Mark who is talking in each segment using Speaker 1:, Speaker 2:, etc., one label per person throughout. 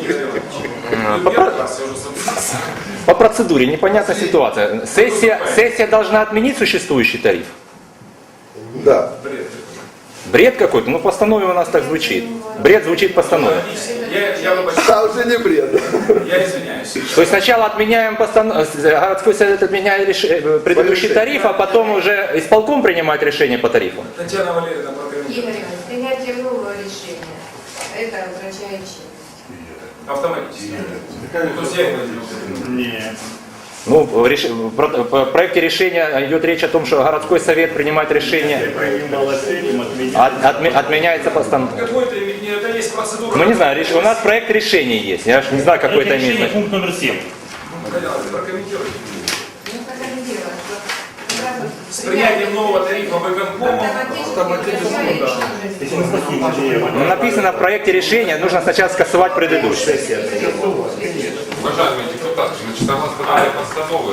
Speaker 1: По процедуре непонятная ситуация. Сессия должна отменить существующий тариф?
Speaker 2: Да.
Speaker 1: Бред какой-то? Ну, постанове у нас так звучит. Бред звучит постанове.
Speaker 2: А уже не бред.
Speaker 3: Я извиняюсь.
Speaker 1: То есть сначала отменяем городской совет отменяет предыдущий тариф, а потом уже исполком принимает решение по тарифу.
Speaker 3: Татьяна Валерьевна, прокомментируйте.
Speaker 4: Игорь Иванович, принятие нового решения, это означает что?
Speaker 3: Автоматически. То есть я его не делаю.
Speaker 5: Нет.
Speaker 1: Ну, в проекте решения идет речь о том, что городской совет принимает решение, отменяется постанова.
Speaker 3: Какой-то, это есть процедура.
Speaker 1: Ну не знаю, у нас проект решения есть, я же не знаю, какой это
Speaker 5: Решение
Speaker 1: имеет.
Speaker 5: пункт номер 7.
Speaker 3: Прокомментируйте.
Speaker 4: Ну, прокомментировать, что сразу
Speaker 3: С принятием нового тарифа выконкома
Speaker 1: Ну, написано в проекте решения, нужно сначала скасовать предыдущий.
Speaker 6: Уважаемые депутаты, значит, согласно данной постановы,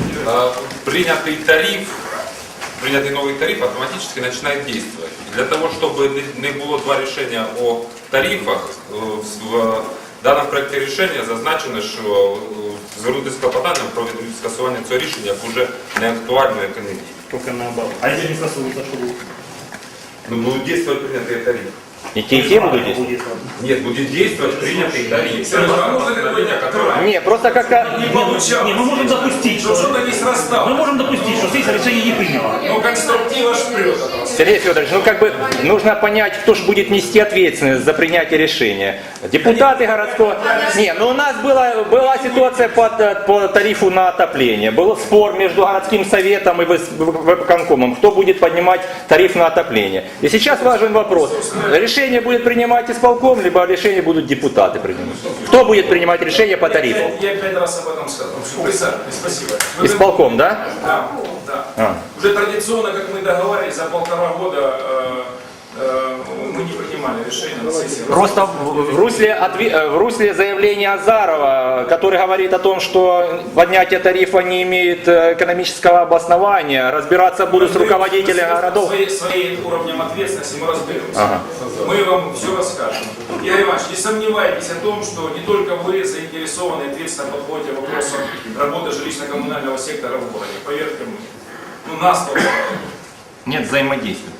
Speaker 6: принятый новый тариф автоматически начинает действовать. И для того, чтобы не было два решения о тарифах, в даному проекті рішення зазначено, що звернутися з клопотанням про скасування цього рішення як уже не актуальної економії.
Speaker 5: Только наоборот. А если не стосуется, что будет?
Speaker 6: Ну, будет действовать принятый тариф.
Speaker 1: И те будут действовать?
Speaker 6: Нет, будет действовать принятый тариф.
Speaker 1: Не, просто как-то...
Speaker 3: не получалось.
Speaker 5: Не, мы можем допустить,
Speaker 3: Что что-то не срасталось.
Speaker 5: Мы можем допустить, что сессия решение не приняла.
Speaker 3: Ну, конструктива ж прет.
Speaker 1: Сергей Федорович, ну как бы нужно понять, кто же будет нести ответственность за принятие решения. Депутаты городского... Не, ну у нас была ситуация по тарифу на отопление. Был спор между городским советом и выборкомом, кто будет поднимать тариф на отопление. И сейчас важен вопрос. Решение будет принимать исполком, либо решение будут депутаты принимать. Кто будет принимать решение по тарифу?
Speaker 3: Я 5 раз об этом сказал. Присаживайтесь, спасибо.
Speaker 1: Исполком, да?
Speaker 3: Да, да. Уже традиционно, как мы договаривались, за 1,5 года мы не принимали решение на сессии.
Speaker 1: Просто в русле заявления Азарова, который говорит о том, что поднятие тарифа не имеет экономического обоснования, разбираться будут с руководителями городов.
Speaker 3: Своим уровнем ответственности мы разберемся. Мы вам все расскажем. Игорь Иванович, не сомневайтесь о том, что не только вы заинтересованы и ответственно подходите к вопросам работы жилищно-коммунального сектора в городе. Поверьте мне. Ну, нас только.
Speaker 1: Нет взаимодействия.